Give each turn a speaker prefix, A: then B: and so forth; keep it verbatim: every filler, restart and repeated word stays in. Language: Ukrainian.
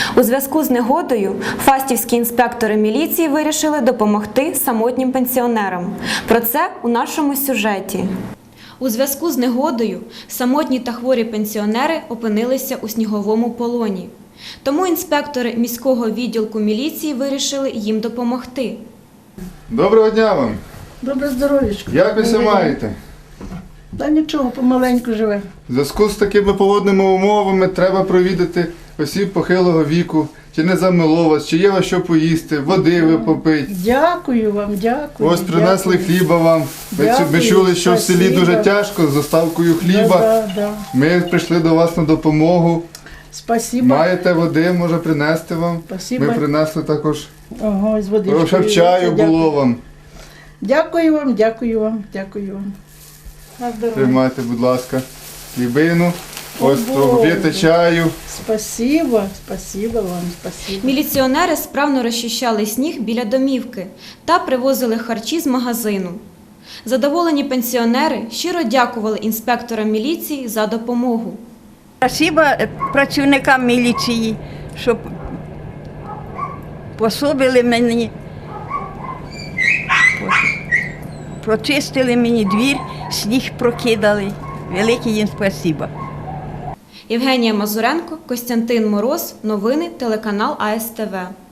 A: У зв'язку з негодою фастівські інспектори міліції вирішили допомогти самотнім пенсіонерам. Про це у нашому сюжеті. У зв'язку з негодою самотні та хворі пенсіонери опинилися у сніговому полоні. Тому інспектори міського відділку міліції вирішили їм допомогти.
B: Доброго дня вам!
C: Добре здоров'ячко.
B: Як ви себе маєте?
C: Та нічого, помаленьку живе.
B: В зв'язку з такими погодними умовами треба провідати осіб похилого віку, чи не замило вас, чи є вас що поїсти, води ви попити.
C: Дякую вам, дякую.
B: Ось принесли
C: дякую.
B: хліба вам. Ми,
C: Дякую,
B: ми чули, що в селі
C: спасибо.
B: дуже тяжко з доставкою хліба.
C: Да, да, да.
B: Ми прийшли до вас на допомогу.
C: Спасибо.
B: Маєте води, може принести вам.
C: Спасибо.
B: Ми принесли також.
C: Ого, з водичкою.
B: Щоб чаю
C: Дякую.
B: було вам.
C: Дякую вам, дякую вам, дякую вам. На здоров'я.
B: Приймайте, будь ласка, хлібину.
C: О,
B: Ось
C: Боже.
B: п'єте чаю.
C: Спасибо, спасибо вам, спасибо.
A: Міліціонери справно розчищали сніг біля домівки та привозили харчі з магазину. Задоволені пенсіонери щиро дякували інспекторам міліції за допомогу.
D: Спасибо працівникам міліції, що пособили мені, прочистили мені двір, сніг прокидали. Велике їм спасибо.
A: Євгенія Мазуренко, Костянтин Мороз. Новини телеканал А С Т В.